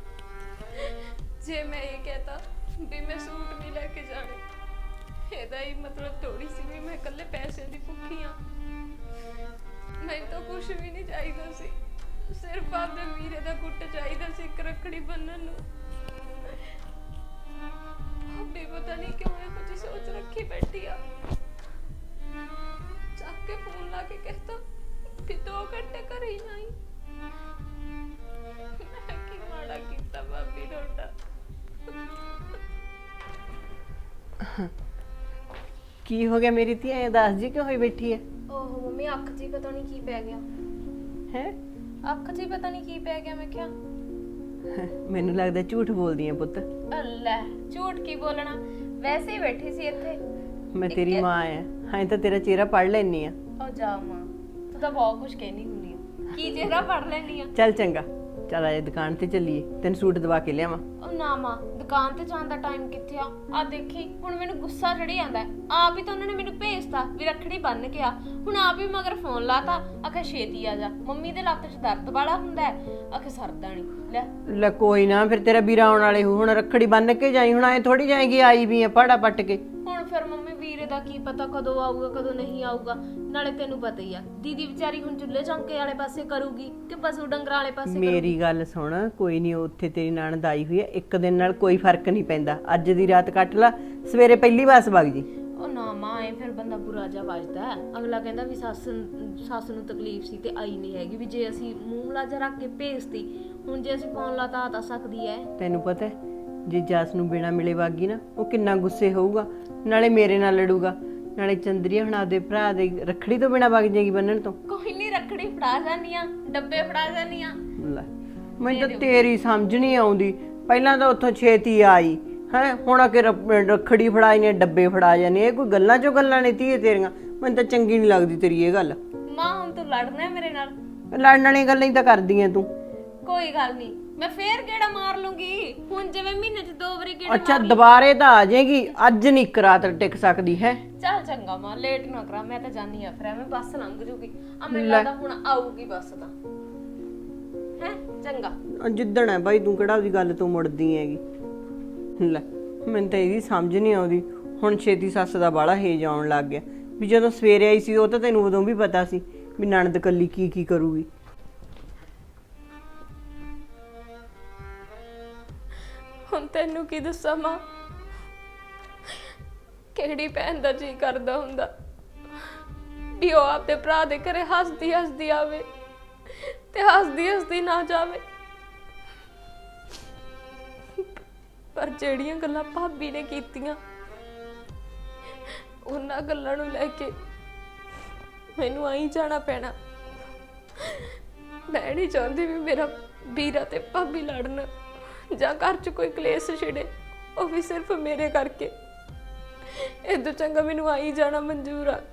A: ਜੇ ਮੈਂ ਇਹ ਕਹਤਾ ਵੀ ਮੈਂ ਸੂਟ ਨਹੀਂ ਲੈ ਕੇ ਜਾਣੇ, ਇਹਦਾ ਹੀ ਮਤਲਬ ਥੋੜੀ ਸੀ ਵੀ ਮੈਂ ਇਕੱਲੇ ਪੈਸੇ ਦੀ ਭੁੱਖੀ ਆ। ਮੈਨੂੰ ਤਾਂ ਕੁਝ ਵੀ ਨਹੀਂ ਚਾਹੀਦਾ ਸੀ, ਸਿਰਫ ਆਪਦੇ ਵੀਰੇ ਦਾ ਗੁੱਟ ਚਾਹੀਦਾ ਸੀ ਇੱਕ ਰੱਖੜੀ ਬੰਨਣ ਨੂੰ। ਵੀ ਪਤਾ ਨਹੀਂ ਕਿਉਂ ਇਹੋ ਜਿਹੀ ਸੋਚ ਰੱਖੀ ਬੈਠੀ ਆ। ਚੱਕ ਕੇ ਫੋਨ ਲਾ ਕੇ ਕਹਿਤਾ ਕਿ ਦੋ ਘੰਟੇ ਘਰੇ ਹੀ ਨਹੀਂ। ਮੈਂ ਕੀ ਮਾੜਾ ਕੀਤਾ ਭਾਬੀ ਤੁਹਾਡਾ?
D: ਕੀ ਹੋ ਗਿਆ ਮੇਰੀ ਧੀ? ਐ ਦੱਸ ਜੀ ਕਿਉਂ ਹੋਈ ਬੈਠੀ ਐ?
A: ਓਹ ਮੰਮੀ ਅੱਖ 'ਚ ਹੀ ਪਤਾ ਨਹੀਂ ਕੀ ਪੈ ਗਿਆ।
D: ਹੈ
A: ਅੱਖ 'ਚ ਹੀ ਪਤਾ ਨਹੀਂ ਕੀ ਪੈ ਗਿਆ। ਮੈਂ ਕਿਹਾ
D: ਮੈਨੂੰ ਲੱਗਦਾ ਝੂਠ ਬੋਲਦੀ ਐ ਪੁੱਤ।
A: ਅੱਲਾ ਝੂਠ ਕੀ ਬੋਲਣਾ, ਵੈਸੇ ਹੀ ਬੈਠੀ ਸੀ ਇੱਥੇ।
D: ਮੈਂ ਤੇਰੀ ਮਾਂ ਆ, ਹਾਂ ਤਾਂ ਤੇਰਾ ਚਿਹਰਾ ਪੜ ਲੈਣੀ ਆ।
A: ਉਹ ਜਾ ਮਾਂ, ਤੂੰ ਤਾਂ ਬਹੁਤ ਕੁਝ ਕਹਿਣੀ ਹੁੰਦੀ ਆ। ਕੀ ਚਿਹਰਾ ਪੜ ਲੈਣੀ ਆ?
D: ਚੱਲ ਚੰਗਾ, ਚੱਲ ਆਜੇ ਦੁਕਾਨ ਤੇ ਚੱਲੀਏ, ਤੈਨੂੰ ਸੂਟ ਦਵਾ ਕੇ ਲਿਆਵਾਂ।
A: ਉਹ ਨਾ ਮਾਂ, ਦੁਕਾਨ ਤੇ ਜਾਣ ਦਾ ਟਾਈਮ ਕਿੱਥੇ ਆ? ਆ ਦੇਖੀ ਹੁਣ ਮੈਨੂੰ ਗੁੱਸਾ ਚੜੀ ਜਾਂਦਾ ਹੈ। ਆਪ ਹੀ ਤਾਂ ਉਹਨਾਂ ਨੇ ਮੈਨੂੰ ਭੇਜਤਾ ਵੀ ਰੱਖੜੀ ਬੰਨ ਕੇ ਆ, ਹੁਣ ਆਪ ਹੀ ਮਗਰ ਫੋਨ ਲਾਤਾ, ਆਖੇ ਛੇਤੀ ਆ ਜਾ। ਮੰਮੀ ਦੇ ਲੱਤ 'ਚ ਦਰਦ ਵਾਲਾ ਹੁੰਦਾ ਹੈ, ਆਖੇ ਸਰਦਾ ਨਹੀਂ। ਲੈ
D: ਲੈ ਕੋਈ ਨਾ, ਫਿਰ ਤੇਰਾ ਵੀਰਾ ਆਉਣ ਵਾਲੇ ਹੋ, ਹੁਣ ਰੱਖੜੀ ਬੰਨ ਕੇ ਜਾਈ। ਹੁਣ ਐ ਥੋੜੀ ਜਾਏਗੀ, ਆਈ ਵੀ ਆ ਪਾੜਾ ਪੱਟ ਕੇ।
A: ਹੁਣ ਫਿਰ ਮੰਮੀ ਵੀਰੇ ਦਾ ਕੀ ਪਤਾ ਕਦੋਂ ਆਊਗਾ ਕਦੋਂ ਨਹੀਂ ਆਊਗਾ। ਨਾਲੇ ਤੈਨੂੰ ਪਤਾ ਹੀ ਆ, ਦੀਦੀ ਵਿਚਾਰੀ ਹੁਣ ਚੁੱਲ੍ਹੇ ਚੌਂਕੇ ਵਾਲੇ ਪਾਸੇ ਕਰੂਗੀ ਕਿ ਪਸ਼ੂ ਡੰਗਰਾਂ ਵਾਲੇ ਪਾਸੇ ਕਰੂਗੀ।
D: ਮੇਰੀ ਗੱਲ ਸੁਣ, ਕੋਈ ਨਹੀਂ, ਉੱਥੇ ਤੇਰੀ ਨਣਦ ਆਈ ਹੋਈ ਹੈ, ਇੱਕ ਦਿਨ ਨਾਲ ਕੋਈ ਫਰਕ ਨਹੀਂ ਪੈਂਦਾ। ਅੱਜ ਦੀ ਰਾਤ ਕੱਟ ਲਾ, ਸਵੇਰੇ ਪਹਿਲੀ ਵਾਰ ਵਗ ਜੀ।
A: ਉਹ ਨਾ ਮਾਂ, ਐ ਫਿਰ ਬੰਦਾ ਬੁਰਾ ਜਾ ਵੱਜਦਾ। ਅਗਲਾ ਕਹਿੰਦਾ ਵੀ ਸੱਸ ਸੱਸ ਨੂੰ ਤਕਲੀਫ ਸੀ ਤੇ ਆਈ ਨਹੀਂ ਹੈਗੀ, ਵੀ ਜੇ ਅਸੀਂ ਮੂੰਹ ਲਾਜਾ ਰੱਖ ਕੇ ਭੇਜਤੀ, ਹੁਣ ਜੇ ਅਸੀਂ ਫੋਨ ਲਾਤਾ ਆ ਤਾਂ ਸਕਦੀ ਐ।
D: ਤੈਨੂੰ ਪਤਾ ਹੈ, ਜੇ ਜਸ ਨੂੰ ਬਿਨਾ ਮਿਲੇ ਵਾਗੀ ਨਾ, ਉਹ ਕਿੰਨਾ ਗੁੱਸੇ ਹੋਊਗਾ। ਨਾਲੇ ਮੇਰੇ ਨਾਲ ਲੜੂਗਾ, ਨਾਲੇ ਚੰਦਰੀਆ ਹੁਣ ਆਪਦੇ ਭਰਾ ਦੇ ਰੱਖੜੀ ਤੋਂ ਬਿਨਾ ਵਗ ਜਾਏਗੀ ਬੰਨਣ ਤੋਂ।
A: ਕੋਈ ਨਹੀਂ, ਰੱਖੜੀ ਫੜਾ ਜਾਂਦੀਆਂ, ਡੱਬੇ ਫੜਾ ਜਾਂਦੀਆਂ।
D: ਲੈ ਮੈਨੂੰ ਤਾਂ ਤੇਰੀ ਸਮਝ ਨਹੀਂ ਆਉਂਦੀ। ਪਹਿਲਾਂ ਤਾਂ ਉੱਥੋਂ ਛੇਤੀ ਆਈ ਹੈ, ਹੁਣ ਆ ਕੇ ਰੱਖੜੀ ਫੜਾਈ ਨੇ, ਡੱਬੇ ਫੜਾ ਜਾਨੇ। ਇਹ ਕੋਈ ਗੱਲਾਂ ਚੋਂ ਗੱਲਾਂ ਨੇ ਧੀਏ ਤੇਰੀਆਂ, ਮੈਨੂੰ ਤਾਂ ਚੰਗੀ ਨਹੀਂ ਲੱਗਦੀ ਤੇਰੀ ਇਹ ਗੱਲ।
A: ਮਾਂ ਹੁਣ ਤੂੰ ਲੜਨਾ ਮੇਰੇ ਨਾਲ?
D: ਲੜਨ ਵਾਲੀਆਂ ਗੱਲਾਂ ਹੀ ਤਾਂ ਕਰਦੀ ਐ ਤੂੰ।
A: ਕੋਈ ਗੱਲ ਨਹੀਂ, ਮੈਂ ਫੇਰ ਗੇੜਾ ਮਾਰ ਲੂੰਗੀ। ਹੁਣ ਜਿਵੇਂ ਮਹੀਨੇ 'ਚ ਦੋ ਵਾਰੀ ਗੇੜਾ
D: ਅੱਛਾ ਦੁਬਾਰੇ ਤਾਂ ਆ ਜਾਏਗੀ, ਅੱਜ ਨਹੀਂ ਇੱਕ ਰਾਤ ਟਿਕ ਸਕਦੀ ਹੈ।
A: ਚੱਲ ਚੰਗਾ ਮਾਂ, ਲੇਟ ਨਾ ਕਰਾਂ, ਮੈਂ ਤਾਂ ਜਾਨੀ ਆ, ਫਿਰ ਐਵੇਂ ਬੱਸ ਲੰਘ ਜੂਗੀ। ਆ ਮੈਨੂੰ ਲੱਗਦਾ ਹੁਣ ਆਊਗੀ ਬੱਸ ਤਾਂ, ਹੈ ਚੰਗਾ।
D: ਜਿੱਦਣ ਹੈ ਬਾਈ, ਤੂੰ ਕਿਹੜਾ ਉਹਦੀ ਗੱਲ ਤੋਂ ਮੁੜਦੀ ਹੈਗੀ। ਲੈ ਮੈਨੂੰ ਤਾਂ ਇਹਦੀ ਸਮਝ ਨਹੀਂ ਆਉਂਦੀ। ਹੁਣ ਛੇਤੀ ਸੱਸ ਦਾ ਬਾਲਾ ਹੇਜ ਆਉਣ ਲੱਗ ਗਿਆ, ਵੀ ਜਦੋਂ ਸਵੇਰੇ ਆਈ ਸੀ ਉਹ ਤਾਂ ਤੈਨੂੰ ਉਦੋਂ ਵੀ ਪਤਾ ਸੀ ਵੀ ਨਣਦ ਕੱਲੀ ਕੀ ਕੀ ਕਰੂਗੀ।
A: ਹੁਣ ਤੈਨੂੰ ਕੀ ਦੱਸਾਂ ਮਾਂ, ਕਿਹੜੀ ਭੈਣ ਦਾ ਜੀ ਕਰਦਾ ਹੁੰਦਾ ਵੀ ਉਹ ਆਪਦੇ ਭਰਾ ਦੇ ਘਰੇ ਹੱਸਦੀ ਹੱਸਦੀ ਆਵੇ ਤੇ ਹੱਸਦੀ ਹੱਸਦੀ ਨਾ ਜਾਵੇ। ਪਰ ਜਿਹੜੀਆਂ ਗੱਲਾਂ ਭਾਬੀ ਨੇ ਕੀਤੀਆਂ, ਉਹਨਾਂ ਗੱਲਾਂ ਨੂੰ ਲੈ ਕੇ ਮੈਨੂੰ ਆਈ ਜਾਣਾ ਪੈਣਾ। ਮੈਂ ਨਹੀਂ ਚਾਹੁੰਦੀ ਵੀ ਮੇਰਾ ਵੀਰਾ ਤੇ ਭਾਬੀ ਲੜਨ ਜਾਂ ਘਰ 'ਚ ਕੋਈ ਕਲੇਸ਼ ਛਿੜੇ, ਉਹ ਵੀ ਸਿਰਫ ਮੇਰੇ ਕਰਕੇ। ਇਦੋਂ ਚੰਗਾ ਮੈਨੂੰ ਆਈ ਜਾਣਾ ਮਨਜ਼ੂਰ ਆ।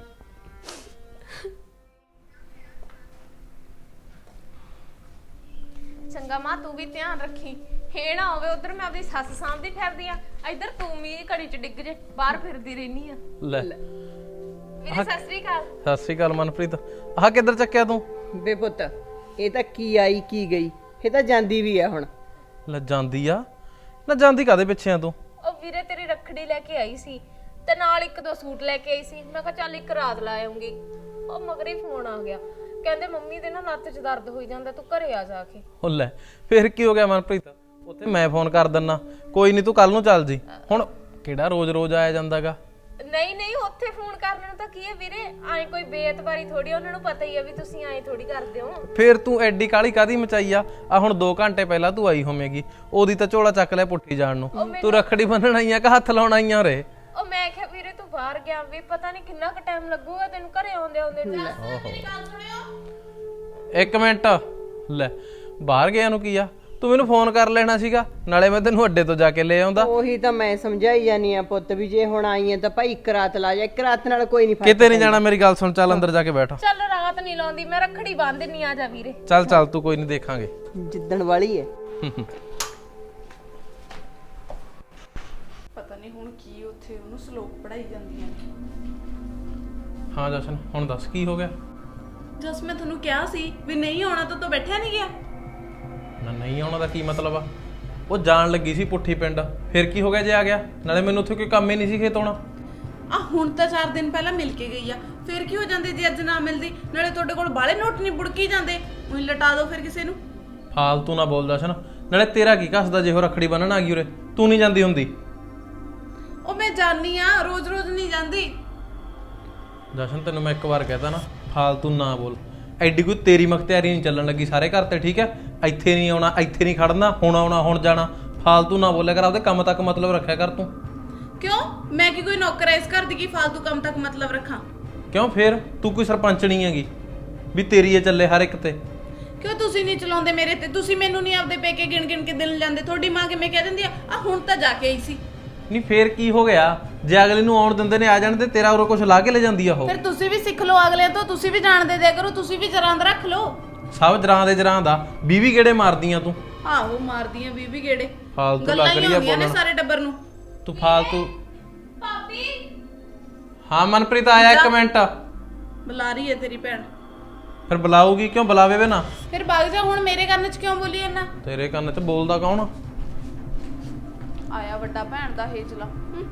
A: ਚੰਗਾ ਮਾਂ, ਤੂੰ ਵੀ ਧਿਆਨ ਰੱਖੀ, ਇਹ ਨਾ ਹੋਵੇ ਉਧਰ ਮੈਂ ਆਪਣੀ ਸੱਸ ਸਾਂਭਦੀ ਫਿਰਦੀ ਆ, ਇੱਧਰ ਤੂੰ ਵੀ ਘੜੀ 'ਚ ਡਿੱਗ ਜੇ, ਬਾਹਰ ਫਿਰਦੀ ਰਹਿਨੀ ਆ।
C: ਲੈ
A: ਵੀਰੇ ਸਤਿ ਸ੍ਰੀ ਅਕਾਲ।
C: ਸਤਿ ਸ਼੍ਰੀ ਅਕਾਲ ਮਨਪ੍ਰੀਤ। ਆਹ ਕਿੱਧਰ ਚੱਕਿਆ ਤੂੰ?
D: ਬੇ ਪੁੱਤ, ਇਹ ਤਾਂ ਕੀ ਆਈ ਕੀ ਗਈ, ਇਹ ਤਾਂ ਜਾਂਦੀ ਵੀ ਆ ਹੁਣ।
C: ਲੈ ਜਾਂਦੀ ਆ ਨਾ, ਜਾਂਦੀ ਕਾਦੇ ਪਿੱਛੇ ਆ ਤੂੰ?
A: ਉਹ ਵੀਰੇ ਤੇਰੀ ਰੱਖੜੀ ਲੈ ਕੇ ਆਈ ਸੀ ਤੇ ਨਾਲ ਇੱਕ ਦੋ ਸੂਟ ਲੈ ਕੇ ਆਈ ਸੀ। ਮੈਂ ਕਿਹਾ ਚੱਲ ਇੱਕ ਰਾਤ ਲਾ ਆਉਂਗੀ। ਉਹ ਮਗਰੇ ਫੋਨ ਆ ਗਿਆ, ਕਹਿੰਦੇ ਮੰਮੀ ਦੇ ਨਾ ਲੱਤ 'ਚ ਦਰਦ ਹੋਈ ਜਾਂਦਾ, ਤੂੰ ਘਰੇ ਆ ਜਾ ਕੇ।
C: ਉਹ ਲੈ ਫੇਰ ਕੀ ਹੋ ਗਿਆ ਮਨਪ੍ਰੀਤ, ਉੱਥੇ ਮੈਂ ਫੋਨ ਕਰ ਦਿੰਨਾ, ਕੋਈ ਨਹੀਂ ਤੂੰ ਕੱਲ ਨੂੰ ਚੱਲ ਜੀ। ਹੁਣ ਕਿਹੜਾ ਰੋਜ਼-ਰੋਜ਼ ਆਇਆ ਜਾਂਦਾਗਾ?
A: ਨਹੀਂ ਨਹੀਂ, ਉੱਥੇ ਫੋਨ ਕਰਨ ਨੂੰ ਤਾਂ ਕੀ ਹੈ ਵੀਰੇ, ਐ ਕੋਈ ਬੇਇਤਬਾਰੀ ਥੋੜੀ, ਉਹਨਾਂ ਨੂੰ ਪਤਾ ਹੀ ਆ ਵੀ ਤੁਸੀਂ ਐ ਥੋੜੀ ਕਰਦੇ ਹੋ।
C: ਫੇਰ ਤੂੰ ਐਡੀ ਕਾਲੀ ਕਾਦੀ ਮਚਾਈ ਆ? ਆ ਹੁਣ ਦੋ ਘੰਟੇ ਪਹਿਲਾਂ ਤੂੰ ਆਈ ਹੋਵੇਂਗੀ, ਉਹਦੀ ਤਾਂ ਝੋਲਾ ਚੱਕ ਲਿਆ ਪੁੱਠੀ ਜਾਣ ਨੂੰ। ਤੂੰ ਰੱਖੜੀ ਬੰਨਣ ਆਈ ਆ ਕਿ ਹੱਥ ਲਾਉਣ ਆਈ ਆ ਰੇ?
A: ਉਹ ਮੈਂ ਕਿਹਾ ਵੀਰੇ ਤੂੰ ਬਾਹਰ ਗਿਆ ਵੀ, ਪਤਾ ਨਹੀਂ ਕਿੰਨਾ ਕੁ ਟਾਈਮ ਲੱਗੂਗਾ ਤੈਨੂੰ ਘਰੇ ਆਉਂਦੇ ਆਉਂਦੇ। ਮੇਰੀ ਗੱਲ ਸੁਣਿਓ
C: ਇੱਕ ਮਿੰਟ। ਲੈ ਬਾਹਰ ਗਿਆ ਨੂੰ ਕੀ ਆ, ਤੂੰ ਮੈਨੂੰ ਫੋਨ ਕਰ ਲੈਣਾ ਸੀਗਾ, ਨਾਲੇ ਮੈਂ ਤੈਨੂੰ ਅੱਡੇ ਤੋਂ ਜਾ ਕੇ ਲੈ ਆਉਂਦਾ।
D: ਉਹੀ ਤਾਂ ਮੈਂ ਸਮਝਾਈ ਜਾਨੀ ਆ ਪੁੱਤ, ਵੀ ਜੇ ਹੁਣ ਆਈ ਹੈ ਤਾਂ ਭਾਈ ਇੱਕ ਰਾਤ ਲਾ ਜਾ, ਇੱਕ ਰਾਤ ਨਾਲ ਕੋਈ ਨਹੀਂ ਫਰਕ।
C: ਕਿਤੇ ਨਹੀਂ ਜਾਣਾ, ਮੇਰੀ ਗੱਲ ਸੁਣ, ਚੱਲ ਅੰਦਰ ਜਾ ਕੇ ਬੈਠ।
A: ਚੱਲ ਰਾਤ ਨਹੀਂ ਲਾਉਂਦੀ, ਮੈਂ ਰੱਖੜੀ ਬੰਨ ਦਿੰਨੀ ਆ, ਜਾ ਵੀਰੇ।
C: ਚੱਲ ਚੱਲ ਤੂੰ, ਕੋਈ ਨਹੀਂ ਦੇਖਾਂਗੇ।
D: ਜਿੱਦਣ ਵਾਲੀ ਹੈ।
B: ਪਤਾ ਨਹੀਂ ਹੁਣ ਕੀ ਉੱਥੇ ਉਹਨੂੰ ਸ਼ਲੋਕ ਪੜਾਈ ਜਾਂਦੀਆਂ।
C: ਹਾਂ ਜਸ਼ਨ, ਹੁਣ ਦੱਸ ਕੀ ਹੋ ਗਿਆ?
B: ਜਸ ਮੈਂ ਤੁਹਾਨੂੰ ਕਿਹਾ ਸੀ ਵੀ ਨਹੀਂ ਆਉਣਾ ਤਾਂ ਤੂੰ ਬੈਠਿਆ ਨਹੀਂ ਗਿਆ।
C: ਨਾ ਨਹੀਂ ਆਉਣਾ ਦਾ ਕੀ ਮਤਲਬ ਆ? ਉਹ ਜਾਣ ਲੱਗੀ ਸੀ ਪੁੱਠੀ ਪਿੰਡ, ਫਿਰ ਕੀ ਹੋ ਗਿਆ ਜੇ ਆ ਗਿਆ? ਨਾਲੇ ਮੈਨੂੰ ਉੱਥੇ ਕੋਈ ਕੰਮ ਹੀ ਨਹੀਂ ਸੀ ਖੇਤ ਆਉਣਾ।
B: ਆ ਹੁਣ ਤਾਂ ਚਾਰ ਦਿਨ ਪਹਿਲਾਂ ਮਿਲ ਕੇ ਗਈ ਆ, ਫਿਰ ਕੀ ਹੋ ਜਾਂਦੇ ਜੇ ਅੱਜ ਨਾ ਮਿਲਦੀ? ਨਾਲੇ ਤੁਹਾਡੇ ਕੋਲ ਬਾਲੇ ਨੋਟ ਨਹੀਂ ਬੁੜਕੀ ਜਾਂਦੇ, ਉਹੀ ਲਟਾ ਦਿਓ ਫਿਰ ਕਿਸੇ ਨੂੰ।
C: ਫਾਲਤੂ ਨਾ ਬੋਲ ਜਸ਼ਨ, ਨਾਲੇ ਤੇਰਾ ਕੀ ਕੱਸਦਾ ਜੇ ਉਹ ਰੱਖੜੀ ਬੰਨਣ ਆ ਗਈ ਉਰੇ? ਤੂੰ ਨਹੀਂ ਜਾਂਦੀ ਹੁੰਦੀ?
B: ਉਹ ਮੈਂ ਜਾਣੀ ਆ, ਰੋਜ਼ ਰੋਜ਼ ਨਹੀਂ ਜਾਂਦੀ।
C: ਜਸ਼ਨ ਤੈਨੂੰ ਮੈਂ ਇੱਕ ਵਾਰ ਕਹਿਤਾ ਨਾ, ਫਾਲਤੂ ਨਾ ਬੋਲ। ਐਡੀ ਕੋਈ ਤੇਰੀ ਮਖਤਿਆਰੀ ਨਹੀਂ ਚੱਲਣ ਲੱਗੀ ਸਾਰੇ ਘਰ ਤੇ, ਠੀਕ ਹੈ? ਇੱਥੇ ਨਹੀਂ ਆਉਣਾ, ਇੱਥੇ ਨਹੀਂ ਖੜਨਾ, ਹੁਣ ਆਉਣਾ ਹੁਣ ਜਾਣਾ, ਫਾਲਤੂ ਨਾ ਬੋਲਿਆ ਕਰ, ਆਪਦੇ ਕੰਮ ਤੱਕ ਮਤਲਬ ਰੱਖਿਆ ਕਰ ਤੂੰ।
B: ਕਿਉਂ ਮੈਂ ਕੀ ਕੋਈ ਨੌਕਰ ਐ ਇਸ ਘਰ ਦੀ ਕੀ ਫालतू ਕੰਮ ਤੱਕ ਮਤਲਬ ਰੱਖਾਂ?
C: ਕਿਉਂ ਫੇਰ ਤੂੰ ਕੋਈ ਸਰਪੰਚ ਨਹੀਂ ਹੈਗੀ ਵੀ ਤੇਰੀ ਇਹ ਚੱਲੇ ਹਰ ਇੱਕ ਤੇ?
B: ਕਿਉਂ ਤੁਸੀਂ ਨਹੀਂ ਚਲਾਉਂਦੇ ਮੇਰੇ ਤੇ? ਤੁਸੀਂ ਮੈਨੂੰ ਨਹੀਂ ਆਪਦੇ ਪੇਕੇ ਗਿਣ ਗਿਣ ਕੇ ਦਿਨ ਜਾਂਦੇ? ਤੁਹਾਡੀ ਮਾਂ ਕਿਵੇਂ ਕਹਿ ਦਿੰਦੀ ਆ ਆ ਹੁਣ ਤਾਂ ਜਾ ਕੇ ਆਈ ਸੀ।
C: ਨਹੀਂ ਫੇਰ ਕੀ ਹੋ ਗਿਆ? ਜੇ ਅਗਲੇ ਨੂੰ ਆਉਣ ਦਿੰਦੇ ਨੇ ਆ ਜਾਣ ਤੇ ਤੇਰਾ ਉਰੋਂ ਕੁਝ ਲਾ ਕੇ ਲੈ ਜਾਂਦੀ ਆ ਉਹ।
B: ਫਿਰ ਤੁਸੀਂ ਵੀ ਸਿੱਖ ਲਓ ਅਗਲੇ ਤੋਂ, ਤੁਸੀਂ ਵੀ ਜਾਣਦੇ ਦਿਆ ਕਰੋ, ਤੁਸੀਂ ਵੀ ਜਰਾਂ ਦਾ ਰੱਖ ਲਓ।
C: ਸਭ ਜਰਾਂ ਦੇ ਜਰਾਂ ਦਾ ਵੀਹ ਗੇੜੇ ਮਾਰਦੀਆਂ ਤੂੰ।
B: ਆਹੋ ਮਾਰਦੀਆਂ ਬੀਬੀ ਗੇੜੇ,
C: ਫਾਲਤੂ
B: ਗੱਲਾਂ
C: ਲੱਗ
B: ਹੀ
C: ਰਹੀ ਆ
B: ਹੁੰਦੀਆਂ ਨੇ
C: ਬੋਲਣ।
B: ਸਾਰੇ ਟੱਬਰ ਨੂੰ।
C: ਤੂੰ ਫਾਲਤੂ।
A: ਭਾਬੀ
C: ਹਾਂ ਮਨਪ੍ਰੀਤ ਆਇਆ ਇੱਕ ਮਿੰਟ।
B: ਬੁਲਾ ਰਹੀ ਹੈ ਤੇਰੀ ਭੈਣ।
C: ਫਿਰ ਬੁਲਾਊਗੀ ਕਿਉਂ? ਬੁਲਾਵੇ ਵੇ ਨਾ।
B: ਫਿਰ ਵਗ ਜਾ, ਹੁਣ ਮੇਰੇ ਕੰਨ 'ਚ ਕਿਉਂ ਬੋਲੀ ਇਹਨਾਂ?
C: ਤੇਰੇ ਕੰਨ 'ਚ ਬੋਲਦਾ ਕੌਣ ਆ?
B: ਆਇਆ ਵੱਡਾ ਭੈਣ ਦਾ ਹੇਜਲਾ। ਹੂੰ।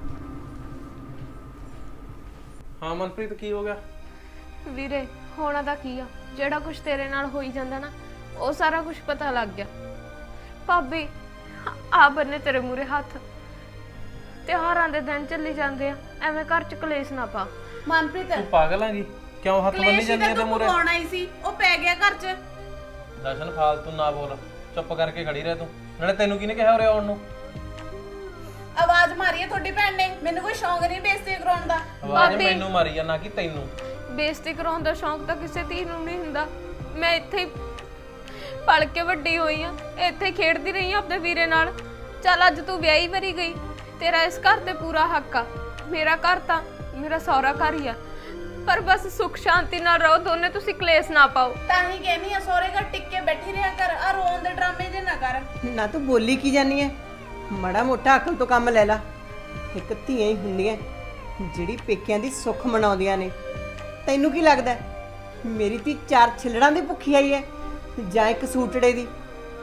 C: ਹਾਂ ਮਨਪ੍ਰੀਤ ਕੀ ਹੋ ਗਿਆ?
A: ਵੀਰੇ ਹੋਣਾ ਤਾਂ ਕੀ ਆ, ਜਿਹੜਾ ਕੁਝ ਤੇਰੇ ਨਾਲ ਹੋਈ ਜਾਂਦਾ ਨਾ ਉਹ ਸਾਰਾ ਕੁਝ ਪਤਾ ਲੱਗ ਗਿਆ। ਭਾਬੀ ਆ ਬੰਨੇ ਤੇਰੇ ਮੂਰੇ ਹੱਥ, ਤਿਉਹਾਰਾਂ ਦੇ ਦਿਨ ਚੱਲੀ ਜਾਂਦੇ ਆ, ਐਵੇਂ ਘਰ ਚ ਕਲੇਸ਼ ਨਾ ਪਾ।
B: ਮਨਪ੍ਰੀਤ
C: ਤੂੰ ਪਾਗਲ ਹੈਗੀ? ਕਿਉਂ ਹੱਥ ਬੰਨੀ
B: ਕਲੇਸ਼
C: ਜਾਂਦੀ
B: ਤਾਂ
C: ਹੈ ਤੇ
B: ਤੂੰ
C: ਮੂਰੇ?
B: ਪਵਾਉਣਾ ਹੀ ਸੀ, ਉਹ ਪੈ ਗਿਆ ਘਰ 'ਚ।
C: ਦਰਸ਼ਨ ਫਾਲਤੂ ਨਾ ਬੋਲ, ਚੁੱਪ ਕਰਕੇ ਖੜੀ ਰਹਿ ਤੂੰ। ਨਾਲੇ ਤੈਨੂੰ ਕਿਹਨੇ ਕਿਹਾ ਉਰੇ ਆਉਣ ਨੂੰ?
B: ਆਵਾਜ਼ ਮਾਰੀ ਹੈ ਤੁਹਾਡੀ ਭੈਣ ਨੇ, ਮੈਨੂੰ ਕੋਈ ਸ਼ੌਂਕ ਨਹੀਂ ਬੇਇੱਜ਼ਤੀ ਕਰਾਉਣ ਦਾ।
C: ਆਵਾਜ਼ ਮੈਨੂੰ ਮਾਰੀ ਆ, ਨਾ ਕਿ ਤੈਨੂੰ।
A: ਬੇਇੱਜ਼ਤੀ ਕਰਾਉਣ ਦਾ ਸ਼ੌਂਕ ਤਾਂ ਕਿਸੇ ਧੀ ਨੂੰ ਨਹੀਂ ਹੁੰਦਾ। ਮੈਂ ਇੱਥੇ ਹੀ ਪਲ ਕੇ ਵੱਡੀ ਹੋਈ ਆ, ਇੱਥੇ ਖੇਡਦੀ ਰਹੀ ਆ ਆਪਣੇ ਵੀਰੇ ਨਾਲ। ਚੱਲ ਅੱਜ ਤੂੰ ਵਿਆਹੀ ਵਰੀ ਗਈ, ਤੇਰਾ ਇਸ ਘਰ ਤੇ ਪੂਰਾ ਹੱਕ ਆ। ਮੇਰਾ ਘਰ ਤਾਂ ਮੇਰਾ ਸਹੁਰਾ ਘਰ ਹੀ ਆ, ਪਰ ਬਸ ਸੁੱਖ ਸ਼ਾਂਤੀ ਨਾਲ ਰਹੋ ਦੋਨੇ, ਤੁਸੀਂ ਕਲੇਸ਼ ਨਾ ਪਾਓ।
B: ਤਾਂ ਹੀ ਕਹਿੰਦੀ ਆ ਸਹੁਰੇ ਘਰ ਟਿੱਕ ਕੇ ਬੈਠੀ ਰਿਹਾ ਕਰ, ਆ ਰੋਣ ਦੇ ਡਰਾਮੇ ਜੇ ਨਾ ਕਰ।
D: ਨਾ ਤੂੰ ਬੋਲੀ ਕੀ ਜਾਨੀ ਐ? ਮੜਾ ਮੋਟਾ ਅਕਲ ਤੋਂ ਕੰਮ ਲੈ ਲਾ। ਇੱਕ ਧੀਆਂ ਹੀ ਹੁੰਦੀਆਂ ਜਿਹੜੀ ਪੇਕਿਆਂ ਦੀ ਸੁੱਖ ਮਨਾਉਂਦੀਆਂ ਨੇ। ਤੈਨੂੰ ਕੀ ਲੱਗਦਾ ਮੇਰੀ ਧੀ ਚਾਰ ਛਿਲੜਾਂ ਦੀ ਭੁੱਖੀ ਆਈ ਐ ਜਾਂ ਇੱਕ ਸੂਟੜੇ ਦੀ?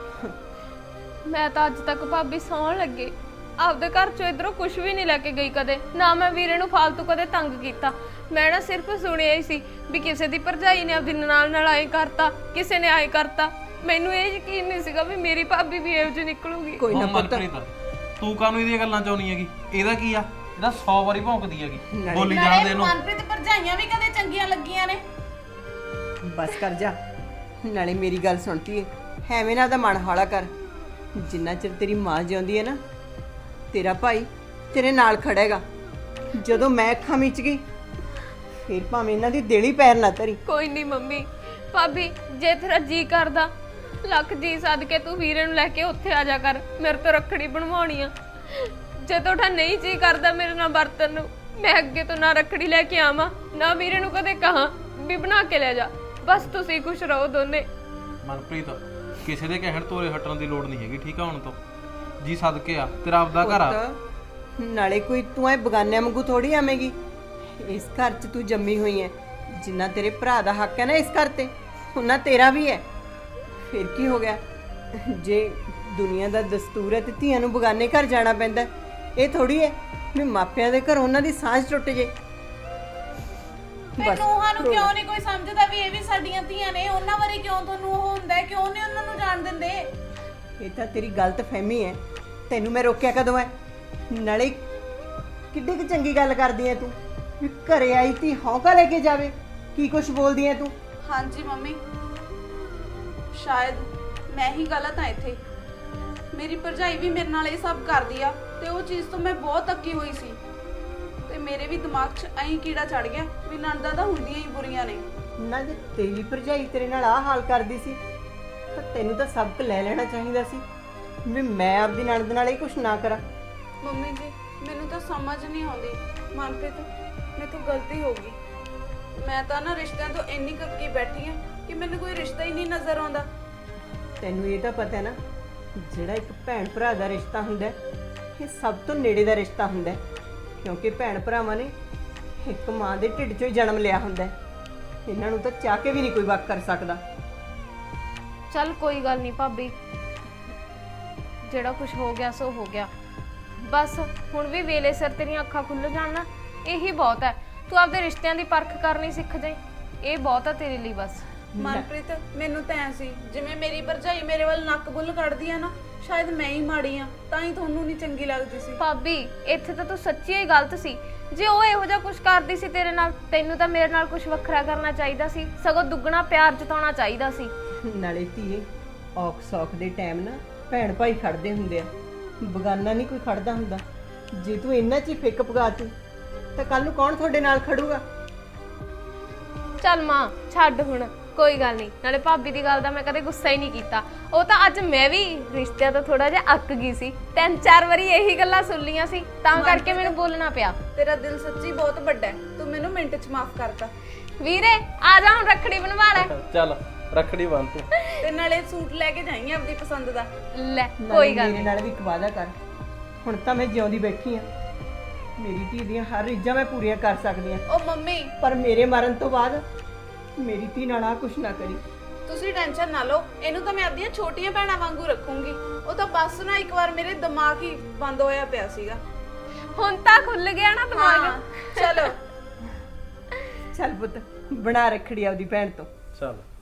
A: ਮੈਂ ਤਾਂ ਅੱਜ ਤੱਕ ਭਾਬੀ ਸੌਣ ਲੱਗੇ ਆਪਦੇ ਘਰ ਚੋਂ ਇਧਰੋਂ ਕੁਝ ਵੀ ਨਹੀਂ ਲੈ ਕੇ ਗਈ ਕਦੇ, ਨਾ ਮੈਂ ਵੀਰੇ ਨੂੰ ਫਾਲਤੂ ਕਦੇ ਤੰਗ ਕੀਤਾ। ਮੈਂ ਨਾ ਸਿਰਫ ਸੁਣਿਆ ਹੀ ਸੀ ਵੀ ਕਿਸੇ ਦੀ ਭਰਜਾਈ ਨੇ ਆਪਦੀ ਨਾਲ ਨਾਲ ਆਏ ਕਰਤਾ, ਕਿਸੇ ਨੇ ਆਏ ਕਰਤਾ। ਮੈਨੂੰ ਇਹ ਯਕੀਨ ਨਹੀਂ ਸੀਗਾ ਵੀ ਮੇਰੀ ਭਾਬੀ ਵੀ ਇਹੋ ਜਿਹੀ ਨਿਕਲੂਗੀ।
D: ਕੋਈ ਨਾ
C: ਉਹ
D: ਪੁੱਤ,
C: ਮਨਪ੍ਰੀਤ ਤੂੰ ਕਾਹਨੂੰ ਇਹਦੀਆਂ ਗੱਲਾਂ ਚਾਉਣੀ ਹੈਗੀ? ਇਹਦਾ ਕੀ ਆ? ਇਹਦਾ ਸੌ ਵਾਰੀ ਭੌਂਕਦੀ ਹੈਗੀ, ਬੋਲੀ
B: ਨਾਲੇ
C: ਜਾਣਦੇ ਇਹਨੂੰ।
B: ਮਨਪ੍ਰੀਤ ਭਰਜਾਈਆਂ ਵੀ ਕਦੇ ਚੰਗੀਆਂ ਲੱਗੀਆਂ ਨੇ?
D: ਬਸ ਕਰ ਜਾ। ਨਾਲੇ ਮੇਰੀ ਗੱਲ ਸੁਣਤੀ ਐ, ਐਵੇਂ ਨਾ ਦਾ ਮਨ ਹੌਲਾ ਕਰ। ਜਿੰਨਾ ਚਿਰ ਤੇਰੀ ਮਾਂ ਜਿਉਂਦੀ ਐ ਨਾ, ਤੇਰਾ ਭਾਈ ਤੇਰੇ ਨਾਲ ਖੜੇਗਾ। ਜਦੋਂ ਮੈਂ ਅੱਖਾਂ ਮੀਚ ਗਈ ਫਿਰ ਭਾਵੇਂ ਇਹਨਾਂ ਦੀ ਦੇਲੀ ਪੈਰ ਨਾ ਧਰੀ।
A: ਕੋਈ ਨਹੀਂ ਮੰਮੀ, ਭਾਬੀ ਜੇ ਤੇਰਾ ਜੀ ਕਰਦਾ ਲੱਖ ਜੀ ਸੱਦ ਕੇ ਤੂੰ ਵੀਰੇ ਨੂੰ ਲੈ ਕੇ ਉੱਥੇ ਆ ਜਾ ਕਰ, ਮੇਰੇ ਤੋਂ ਰੱਖੜੀ ਬਣਵਾਉਣੀ ਆ। ਜੇ ਤੁਹਾਡਾ ਨਹੀਂ ਜੀ ਕਰਦਾ ਮੇਰੇ ਨਾਲ ਵਰਤਨ ਨੂੰ, ਮੈਂ ਅੱਗੇ ਤੋਂ ਨਾ ਰੱਖੜੀ ਲੈ ਕੇ ਆਵਾਂ, ਨਾ ਵੀਰੇ ਨੂੰ ਕਦੇ ਕਹਾਂ ਵੀ ਬਣਾ ਕੇ ਲੈ ਜਾ। ਬਸ ਤੁਸੀਂ ਖੁਸ਼ ਰਹੋ ਦੋਨੇ।
C: ਮਨਪ੍ਰੀਤ ਕਿਸੇ ਦੇ ਕਹਿਣ ਤੋਰੇ ਹਟਣ ਦੀ ਲੋੜ ਨਹੀਂ ਹੈਗੀ, ਠੀਕ ਆ? ਹੁਣ ਤੋਂ ਜੀ ਸਦਕੇ ਆ, ਤੇਰਾ ਆਪਦਾ ਘਰ ਆ।
D: ਪੁੱਤ, ਨਾਲੇ ਕੋਈ ਤੂੰ ਐ ਬਗਾਨਿਆਂ ਵਾਂਗੂ ਥੋੜੀ ਆਵੇਂਗੀ। ਇਸ ਘਰ 'ਚ ਤੂੰ ਜੰਮੀ ਹੋਈ ਐ। ਜਿੰਨਾ ਤੇਰੇ ਭਰਾ ਦਾ ਹੱਕ ਹੈ ਨਾ ਇਸ ਘਰ ਤੇ, ਉਹਨਾਂ ਤੇਰਾ ਵੀ ਹੈ। ਫਿਰ ਕੀ ਹੋ ਗਿਆ ਜੇ ਦੁਨੀਆ ਦਾ ਦਸਤੂਰ ਹੈ ਤੇ ਧੀਆਂ ਨੂੰ ਬਗਾਨੇ ਘਰ ਜਾਣਾ ਪੈਂਦਾ? ਇਹ ਥੋੜੀ ਹੈ ਵੀ ਮਾਪਿਆਂ ਦੇ ਘਰ ਉਹਨਾਂ ਦੀ ਸਾਂਝ ਟੁੱਟ ਜੇ।
B: ਫਿਰ ਨੂੰਹਾਂ ਨੂੰ ਕਿਉਂ ਨਹੀਂ ਕੋਈ ਸਮਝਦਾ ਵੀ ਇਹ ਵੀ ਸਾਡੀਆਂ ਧੀਆਂ ਨੇ? ਉਹਨਾਂ ਬਾਰੇ ਕਿਉਂ ਤੁਹਾਨੂੰ ਉਹ ਹੁੰਦਾ ਹੈ? ਕਿਉਂ ਨਹੀਂ ਉਹਨਾਂ ਨੂੰ ਜਾਣ ਦਿੰਦੇ?
D: ਇਹ ਤਾਂ ਤੇਰੀ ਗਲਤ ਫਹਿਮੀ ਹੈ। ਤੈਨੂੰ ਮੈਂ ਰੋਕਿਆ ਕਦੋਂ ਹੈ? ਨਾਲੇ ਕਿੱਡੀ ਕੁ ਚੰਗੀ ਗੱਲ ਕਰਦੀ ਐ ਤੂੰ ਵੀ ਘਰੇ ਆਈ ਤੀ ਹੌਂਕਾ ਲੈ ਕੇ ਜਾਵੇ। ਕੀ ਕੁਛ ਬੋਲਦੀ ਐ ਤੂੰ?
B: ਹਾਂਜੀ ਮੰਮੀ, ਸ਼ਾਇਦ ਮੈਂ ਹੀ ਗਲਤ ਹਾਂ ਇੱਥੇ। ਮੇਰੀ ਭਰਜਾਈ ਵੀ ਮੇਰੇ ਨਾਲ ਇਹ ਸਭ ਕਰਦੀ ਆ ਤੇ ਉਹ ਚੀਜ਼ ਤੋਂ ਮੈਂ ਬਹੁਤ ਅੱਕੀ ਹੋਈ ਸੀ ਤੇ ਮੇਰੇ ਵੀ ਦਿਮਾਗ 'ਚ ਐਂ ਕੀੜਾ ਚੜ ਗਿਆ ਵੀ ਨਣਦਾਂ ਤਾਂ ਹੁੰਦੀਆਂ ਹੀ ਬੁਰੀਆਂ ਨੇ।
D: ਨਾ ਜੇ ਤੇਰੀ ਭਰਜਾਈ ਤੇਰੇ ਨਾਲ ਆਹ ਹਾਲ ਕਰਦੀ ਸੀ ਤਾਂ ਤੈਨੂੰ ਤਾਂ ਸਬਕ ਲੈ ਲੈਣਾ ਚਾਹੀਦਾ ਸੀ ਵੀ ਮੈਂ ਆਪਦੀ ਨਣਦ ਨਾਲ ਇਹ ਕੁਛ ਨਾ ਕਰਾਂ।
B: ਮੰਮੀ ਜੀ ਮੈਨੂੰ ਤਾਂ ਸਮਝ ਨਹੀਂ ਆਉਂਦੀ, ਮਨਪ੍ਰੀਤ ਮੇਰੇ ਤੋਂ ਗਲਤੀ ਹੋ ਗਈ। ਮੈਂ ਤਾਂ ਨਾ ਰਿਸ਼ਤਿਆਂ ਤੋਂ ਇੰਨੀ ਕੱਕੀ ਬੈਠੀ ਆ ਕਿ ਮੈਨੂੰ ਕੋਈ ਰਿਸ਼ਤਾ ਹੀ ਨਹੀਂ ਨਜ਼ਰ ਆਉਂਦਾ।
D: ਤੈਨੂੰ ਇਹ ਤਾਂ ਪਤਾ ਹੈ ਨਾ, ਜਿਹੜਾ ਇੱਕ ਭੈਣ ਭਰਾ ਦਾ ਰਿਸ਼ਤਾ ਹੁੰਦਾ ਹੈ, ਇਹ ਸਭ ਤੋਂ ਨੇੜੇ ਦਾ ਰਿਸ਼ਤਾ ਹੁੰਦਾ ਹੈ, ਕਿਉਂਕਿ ਭੈਣ ਭਰਾਵਾਂ ਨੇ ਇੱਕ ਮਾਂ ਦੇ ਢਿੱਡ 'ਚੋਂ ਹੀ ਜਨਮ ਲਿਆ ਹੁੰਦਾ ਹੈ। ਇਹਨਾਂ ਨੂੰ ਤਾਂ ਚਾਹ ਕੇ ਵੀ ਨਹੀਂ ਕੋਈ ਵੱਖ ਕਰ ਸਕਦਾ।
A: ਚੱਲ ਕੋਈ ਗੱਲ ਨਹੀਂ ਭਾਬੀ, ਜਿਹੜਾ ਕੁਝ ਹੋ ਗਿਆ ਸੋ ਹੋ ਗਿਆ। ਬਸ ਹੁਣ ਵੀ ਵੇਲੇ ਸਿਰ ਤੇਰੀਆਂ ਅੱਖਾਂ ਖੁੱਲ ਜਾਣ ਨਾ, ਇਹੀ ਬਹੁਤ ਹੈ। ਤੂੰ ਆਪਦੇ ਰਿਸ਼ਤਿਆਂ ਦੀ ਪਰਖ ਕਰਨੀ ਸਿੱਖ ਜਾਈਂ, ਇਹ ਬਹੁਤ ਹੈ ਤੇਰੇ ਲਈ। ਬਸ
B: ਮਨਪ੍ਰੀਤ ਮੈਨੂੰ ਤਾਂ ਐ ਸੀ ਜਿਵੇਂ ਮੇਰੀ ਭਰਜਾਈ ਮੇਰੇ ਵੱਲ ਨੱਕ ਬੁੱਲ ਕੱਢਦੀ ਆ ਨਾ, ਸ਼ਾਇਦ ਮੈਂ ਹੀ ਮਾੜੀ ਆ, ਤਾਂ ਹੀ ਤੁਹਾਨੂੰ ਨਹੀਂ ਚੰਗੀ ਲੱਗਦੀ ਸੀ।
A: ਭਾਬੀ ਇੱਥੇ ਤਾਂ ਤੂੰ ਸੱਚੀ ਹੀ ਗਲਤ ਸੀ। ਜੇ ਉਹ ਇਹੋ ਜਿਹਾ ਕੁਝ ਕਰਦੀ ਸੀ ਤੇਰੇ ਨਾਲ, ਤੈਨੂੰ ਤਾਂ ਮੇਰੇ ਨਾਲ ਕੁਝ ਵੱਖਰਾ ਕਰਨਾ ਚਾਹੀਦਾ ਸੀ, ਸਗੋਂ ਦੁੱਗਣਾ ਪਿਆਰ ਜਤਾਉਣਾ ਚਾਹੀਦਾ ਸੀ।
D: ਨਾਲੇ ਧੀਏ, ਔਖ ਸੌਖ ਦੇ ਟਾਈਮ ਨਾ ਭੈਣ ਭਾਈ ਖੜਦੇ ਹੁੰਦੇ ਆ, ਬਗਾਨਾ ਨਹੀਂ ਕੋਈ ਖੜਦਾ ਹੁੰਦਾ। ਜੇ ਤੂੰ ਇੰਨਾ 'ਚ ਹੀ ਫਿੱਕ ਪਗਾਤੀ ਤਾਂ ਕੱਲ ਨੂੰ ਕੌਣ ਤੁਹਾਡੇ ਨਾਲ ਖੜੂਗਾ?
A: ਚੱਲ ਮਾਂ ਛੱਡ ਹੁਣ, ਕੋਈ ਗੱਲ ਨਹੀਂ, ਨਾਲੇ ਭਾਬੀ ਦੀ ਗੱਲ ਦਾ ਮੈਂ ਕਦੇ ਗੁੱਸਾ ਹੀ ਨਹੀਂ ਕੀਤਾ। ਉਹ ਤਾਂ ਅੱਜ ਮੈਂ ਵੀ ਰਿਸ਼ਤਿਆਂ ਤੋਂ ਥੋੜਾ ਜਿਹਾ ਅੱਕ ਗਈ ਸੀ, ਤਿੰਨ ਚਾਰ ਵਾਰੀ ਇਹੀ ਗੱਲਾਂ ਸੁਣ ਲੀਆਂ ਸੀ, ਤਾਂ ਕਰਕੇ ਮੈਨੂੰ ਬੋਲਣਾ ਪਿਆ।
B: ਤੇਰਾ ਦਿਲ ਸੱਚੀ ਬਹੁਤ ਵੱਡਾ ਹੈ, ਤੂੰ ਮੈਨੂੰ ਮਿੰਟ 'ਚ ਮਾਫ ਕਰਤਾ।
A: ਵੀਰੇ ਆ ਜਾ, ਹੁਣ ਰੱਖੜੀ ਬਣਵਾ ਲੈ।
C: ਚੱਲ ਰੱਖੜੀ ਬੰਨ ਤੂੰ।
B: ਤੇ ਨਾਲੇ ਸੂਟ ਲੈ ਕੇ ਜਾਈਂ ਆਪਣੀ ਪਸੰਦ ਦਾ।
A: ਲੈ ਕੋਈ ਗੱਲ
D: ਮੇਰੇ
A: ਨਹੀਂ।
D: ਨਾਲ ਵੀ ਇੱਕ ਵਾਅਦਾ ਕਰ, ਹੁਣ ਤਾਂ ਮੈਂ ਜਿਉਂਦੀ ਬੈਠੀ ਆ, ਮੇਰੀ ਧੀ ਦੀਆਂ ਹਰ ਰੀਝਾਂ ਮੈਂ ਪੂਰੀਆਂ ਕਰ ਸਕਦੀ ਆ,
B: ਉਹ ਮੰਮੀ
D: ਪਰ ਮੇਰੇ ਮਰਨ ਤੋਂ ਬਾਅਦ ਮੇਰੀ ਧੀ ਨਾਲ ਆ ਕੁਛ ਨਾ ਕਰੀ।
B: ਤੁਸੀਂ ਟੈਨਸ਼ਨ ਨਾ ਲਓ, ਇਹਨੂੰ ਤਾਂ ਮੈਂ ਆਪਣੀਆਂ ਛੋਟੀਆਂ ਭੈਣਾਂ ਵਾਂਗੂ ਰੱਖੂੰਗੀ। ਉਹ ਤਾਂ ਬਸ ਨਾ ਇੱਕ ਵਾਰ ਮੇਰੇ ਦਿਮਾਗ ਹੀ ਬੰਦ ਹੋਇਆ ਪਿਆ ਸੀਗਾ।
A: ਹੁਣ ਤਾਂ ਖੁੱਲ ਗਿਆ ਨਾ ਦਿਮਾਗ।
B: ਹਾਂ, ਚਲੋ
D: ਚੱਲ ਪੁੱਤ ਬਣਾ ਰੱਖੜੀ ਆਪਦੀ ਭੈਣ ਤੋਂ।
C: ਚੱਲ